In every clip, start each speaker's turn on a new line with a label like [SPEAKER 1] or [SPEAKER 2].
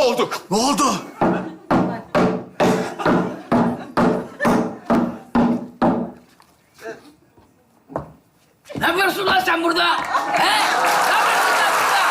[SPEAKER 1] mahvolduk.
[SPEAKER 2] Ne oldu?
[SPEAKER 3] Ne yapıyorsun lan sen burada? He? Ne yapıyorsun lan burada?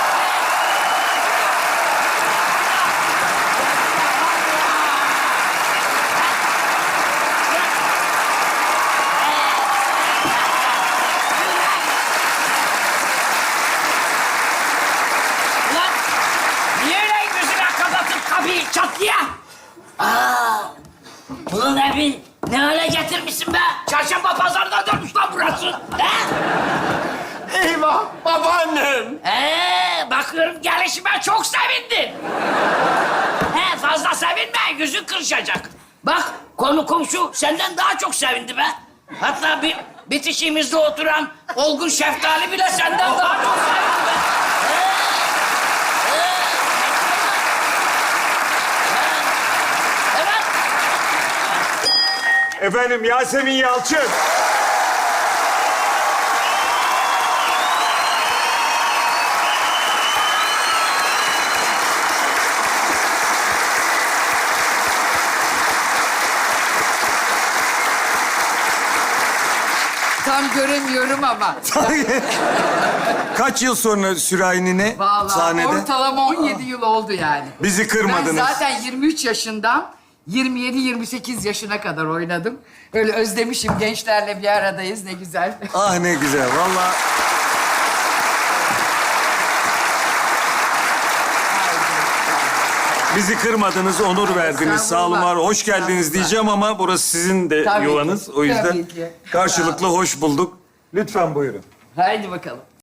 [SPEAKER 3] Ulan niye öyle gözüne kapatıp kapıyı çatlıya? Ulan evi ne hale getirmişsin be? Çarşamba pazarına dönmüş lan burası. He?
[SPEAKER 1] Eyvah babaannem.
[SPEAKER 3] Bakıyorum gelişime çok sevindin. Fazla sevinme, yüzün kırışacak. Bak, konu komşu senden daha çok sevindi be. Hatta bir bitişiğimizde oturan olgun şeftali bile senden daha çok sevindi be. Evet.
[SPEAKER 1] Efendim Yasemin Yalçın.
[SPEAKER 4] Tam göremiyorum ama.
[SPEAKER 2] Kaç yıl sonra Sürahinine
[SPEAKER 4] Vallahi
[SPEAKER 2] sahnede?
[SPEAKER 4] ortalama 17 yıl oldu yani.
[SPEAKER 2] Bizi kırmadınız.
[SPEAKER 4] Ben zaten 23 yaşından 27-28 yaşına kadar oynadım. Öyle özlemişim, gençlerle bir aradayız, ne güzel.
[SPEAKER 2] Ah ne güzel, vallahi. Bizi kırmadınız, onur verdiniz. Sağ olun, var. Hoş geldiniz diyeceğim ama burası sizin de
[SPEAKER 4] Tabii ki,
[SPEAKER 2] yuvanız. O yüzden
[SPEAKER 4] tabii ki.
[SPEAKER 2] karşılıklı hoş bulduk. Lütfen buyurun.
[SPEAKER 4] Haydi bakalım.